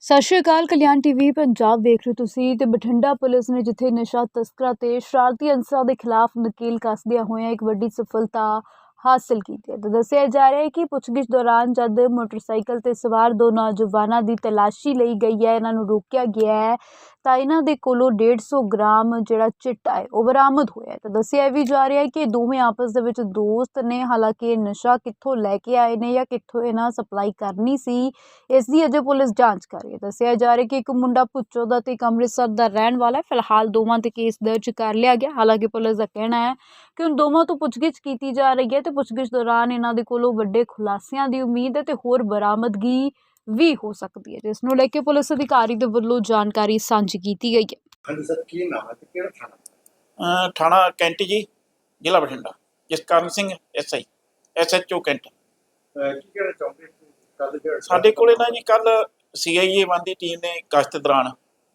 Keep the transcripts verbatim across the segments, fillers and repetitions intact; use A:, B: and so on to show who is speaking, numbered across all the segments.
A: ਸਤਿ ਸ਼੍ਰੀ ਅਕਾਲ। ਕਲਿਆਣ ਟੀਵੀ ਪੰਜਾਬ ਦੇਖ ਰਹੇ ਤੁਸੀਂ ਤੇ ਬਠਿੰਡਾ ਪੁਲਿਸ ਨੇ ਜਿੱਥੇ ਨਸ਼ਾ ਤਸਕਰਾਂ ਤੇ ਸ਼ਰਾਰਤੀ ਅਨਸਰਾਂ ਦੇ ਖਿਲਾਫ ਨਕੇਲ ਕੱਸਦਿਆਂ ਹੋਇਆਂ ਇੱਕ ਵੱਡੀ ਸਫਲਤਾ ਹਾਸਲ ਕੀਤੀ ਹੈ। ਤਾਂ ਦੱਸਿਆ ਜਾ ਰਿਹਾ ਹੈ ਕਿ ਪੁੱਛਗਿੱਛ ਦੌਰਾਨ ਜਦ ਮੋਟਰਸਾਈਕਲ ਤੇ ਸਵਾਰ ਦੋ ਨੌਜਵਾਨਾਂ ਦੀ ਤਲਾਸ਼ੀ ਲਈ ਗਈ ਹੈ, ਇਹਨਾਂ ਨੂੰ ਰੋਕਿਆ ਗਿਆ ਹੈ ਤਾਂ ਇਹਨਾਂ ਦੇ ਕੋਲੋਂ ਡੇਢ ਸੌ ਗ੍ਰਾਮ ਜਿਹੜਾ ਚਿੱਟਾ ਹੈ ਉਹ ਬਰਾਮਦ ਹੋਇਆ ਹੈ। ਤਾਂ ਦੱਸਿਆ ਵੀ ਜਾ ਰਿਹਾ ਹੈ ਕਿ ਦੋਵੇਂ ਆਪਸ ਦੇ ਵਿੱਚ ਦੋਸਤ ਨੇ। ਹਾਲਾਂਕਿ ਇਹ ਨਸ਼ਾ ਕਿੱਥੋਂ ਲੈ ਕੇ ਆਏ ਨੇ ਜਾਂ ਕਿੱਥੋਂ ਇਹਨਾਂ ਸਪਲਾਈ ਕਰਨੀ ਸੀ, ਇਸ ਦੀ ਅਜੇ ਪੁਲਿਸ ਜਾਂਚ ਕਰ ਰਹੀ ਹੈ। ਦੱਸਿਆ ਜਾ ਰਿਹਾ ਕਿ ਇੱਕ ਮੁੰਡਾ ਭੁੱਚੋ ਦਾ ਤੇ ਇੱਕ ਅੰਮ੍ਰਿਤਸਰ ਦਾ ਰਹਿਣ ਵਾਲਾ ਹੈ। ਫਿਲਹਾਲ ਦੋਵਾਂ ਤੇ ਕੇਸ ਦਰਜ ਕਰ ਲਿਆ ਗਿਆ। ਹਾਲਾਂਕਿ ਪੁਲਿਸ ਦਾ ਕਹਿਣਾ ਹੈ ਕਿ ਹੁਣ ਦੋਵਾਂ ਤੋਂ ਪੁੱਛਗਿੱਛ ਕੀਤੀ ਜਾ ਰਹੀ ਹੈ ਤੇ ਪੁੱਛਗਿੱਛ ਦੌਰਾਨ ਇਹਨਾਂ ਦੇ ਕੋਲੋਂ ਵੱਡੇ ਖੁਲਾਸਿਆਂ ਦੀ ਉਮੀਦ ਹੈ ਤੇ ਹੋਰ ਬਰਾਮਦਗੀ ਵੀ ਹੋ ਸਕਦੀ ਹੈ, ਜਿਸ ਨੂੰ ਲੈ ਕੇ ਪੁਲਿਸ ਅਧਿਕਾਰੀ ਦੇ ਵੱਲੋਂ ਜਾਣਕਾਰੀ ਸਾਂਝੀ ਕੀਤੀ ਗਈ ਹੈ।
B: ਹਾਂਜੀ ਸਰ, ਕੀ ਨਾਮ ਹੈ ਤੇ ਕਿਹੜਾ ਥਾਣਾ?
C: ਅ, ਥਾਣਾ ਕੈਂਟੀ ਜੀ, ਜ਼ਿਲ੍ਹਾ Bathinda. Jaskaran Singh S I S H O cantt.
B: ਅਹ ਕੀ ਕਹਿਣਾ ਚਾਹੁੰਦੇ ਕੱਲ ਜਿਹੜਾ
C: ਸਾਡੇ ਕੋਲੇ ਨਾ ਜੀ ਕੱਲ ਸੀ ਆਈ ਏ ਵਨ ਦੀ ਟੀਮ ਨੇ ਗਸ਼ਤ ਦੌਰਾਨ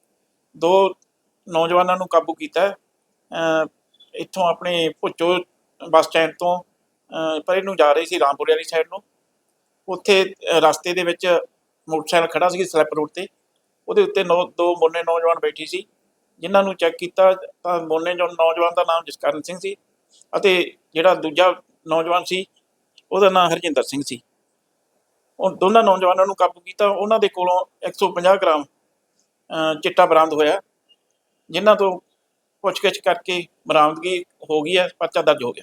C: ਦੋ ਨੌਜਵਾਨਾਂ ਨੂੰ ਕਾਬੂ ਕੀਤਾ। ਅ, ਇੱਥੋਂ ਆਪਣੇ ਭੁੱਚੋ ਬੱਸ ਸਟੈਂਡ ਤੋਂ ਅ, ਪਰੇ ਨੂੰ ਜਾ ਰਹੇ ਸੀ ਰਾਮਪੁਰੇ ਵਾਲੀ ਸਾਈਡ ਨੂੰ। ਉੱਥੇ ਅ, ਰਸਤੇ ਦੇ ਵਿੱਚ ਮੋਟਰਸਾਈਕਲ ਖੜਾ ਸੀ ਸਲਿੱਪ ਰੋਡ 'ਤੇ, ਉਹਦੇ ਉੱਤੇ ਨੌ ਦੋ ਮੋਨੇ ਨੌਜਵਾਨ ਬੈਠੀ ਸੀ, ਜਿਨ੍ਹਾਂ ਨੂੰ ਚੈੱਕ ਕੀਤਾ ਤਾਂ ਮੋਨੇ ਜੋ ਨੌਜਵਾਨ ਦਾ ਨਾਮ ਜਸਕਰਨ ਸਿੰਘ ਸੀ ਅਤੇ ਜਿਹੜਾ ਦੂਜਾ ਨੌਜਵਾਨ ਸੀ ਉਹਦਾ ਨਾਮ ਹਰਜਿੰਦਰ ਸਿੰਘ ਸੀ। ਉਹ ਦੋਨਾਂ ਨੌਜਵਾਨਾਂ ਨੂੰ ਕਾਬੂ ਕੀਤਾ। ਉਹਨਾਂ ਦੇ ਕੋਲੋਂ ਇੱਕ ਸੌ ਪੰਜਾਹ ਗ੍ਰਾਮ ਅ, ਚਿੱਟਾ ਬਰਾਮਦ ਹੋਇਆ, ਜਿਨ੍ਹਾਂ ਤੋਂ ਪੁੱਛਗਿੱਛ ਕਰਕੇ ਬਰਾਮਦਗੀ ਹੋ ਗਈ ਹੈ, ਪਰਚਾ ਦਰਜ ਹੋ ਗਿਆ।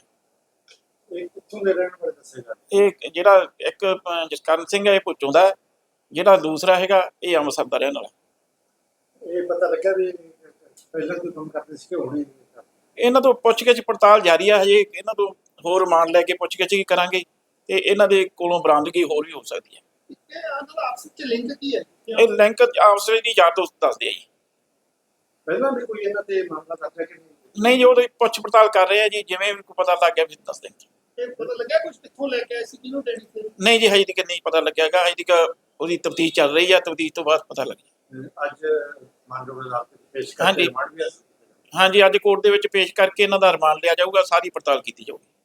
B: ਇਹ ਕਿੱਥੋਂ ਦੇ ਰਹਿਣ ਵਾਲੇ ਦੱਸੇਗਾ?
C: ਇਹ ਜਿਹੜਾ ਇੱਕ ਅ, ਜਸਕਰਨ ਸਿੰਘ ਹੈ ਇਹ ਭੁੱਚੋਂ ਦਾ ਹੈ, ਜਿਹੜਾ ਦੂਸਰਾ ਹੈਗਾ ਇਹ ਅੰਮ੍ਰਿਤਸਰ ਦਾ ਰਹਿਣ ਵਾਲਾ।
B: ਇਹ ਪਤਾ ਲੱਗਾ ਵੀ ਪਹਿਲਾਂ ਕੋਈ ਕੰਮ ਕਰਦੇ ਸੀ ਕਿ ਹੁਣੇ?
C: ਇਹਨਾਂ ਤੋਂ ਪੁੱਛਗਿੱਛ ਪੜਤਾਲ ਜਾਰੀ ਹੈ, ਹਜੇ ਇਹਨਾਂ ਤੋਂ ਹੋਰ ਰਿਮਾਂਡ ਲੈ ਕੇ ਪੁੱਛਗਿੱਛ ਵੀ ਕਰਾਂਗੇ ਤੇ ਇਹਨਾਂ ਦੇ ਕੋਲੋਂ ਬਰਾਮਦਗੀ ਹੋਰ ਵੀ ਹੋ ਸਕਦੀ ਹੈ।
B: ਆਪਸ ਵਿੱਚ ਲਿੰਕ ਕੀ ਹੈ?
C: ਇਹ ਲਿੰਕ ਆਪਸ ਵਿੱਚ ਦੀ ਯਾਰ ਦੋਸਤ ਦੱਸਦੇ ਆ ਜੀ।
B: ਪਹਿਲਾਂ ਵੀ ਕੋਈ ਇਹਨਾਂ ਤੇ ਮਾਮਲਾ ਦਰਜ ਹੈ ਕਿ ਨਹੀਂ?
C: ਨਹੀਂ ਜੀ, ਉਹਦੀ ਪੁੱਛ ਪੜਤਾਲ ਕਰ ਰਹੇ ਆ ਜੀ, ਜਿਵੇਂ ਵੀ ਕੋਈ ਪਤਾ ਲੱਗ ਗਿਆ ਫਿਰ ਦੱਸ ਦੇਣਗੇ।
B: ਇਹ ਪਤਾ ਲੱਗਿਆ ਕੁਝ ਕਿੱਥੋਂ ਲੈ ਕੇ ਆਏ ਸੀ, ਕਿਹਨੂੰ ਦੇਣੀ ਸੀ?
C: ਨਹੀਂ ਜੀ, ਹਜੇ ਤੱਕ ਨਹੀਂ ਪਤਾ ਲੱਗਿਆਗਾ। ਹਜੇ ਤੱਕ ਉਹਦੀ ਤਫਤੀਸ਼ ਚੱਲ ਰਹੀ ਆ, ਤਫਤੀਸ਼ ਤੋਂ ਬਾਅਦ ਪਤਾ ਲੱਗੇ।
B: ਅੱਜ ਮਾਨਯੋਗ ਅਦਾਲਤ ਵਿੱਚ ਪੇਸ਼ ਕਰਕੇ
C: ਹਾਂਜੀ।
B: ਰਿਮਾਂਡ ਵੀ ਹਾਸਲ ਕੀਤਾ।
C: ਹਾਂਜੀ, ਅੱਜ ਕੋਰਟ ਦੇ ਵਿੱਚ ਪੇਸ਼ ਕਰਕੇ ਇਹਨਾਂ ਦਾ ਰਿਮਾਂਡ ਲਿਆ ਜਾਊਗਾ, ਸਾਰੀ ਪੜਤਾਲ ਕੀਤੀ ਜਾਊਗੀ।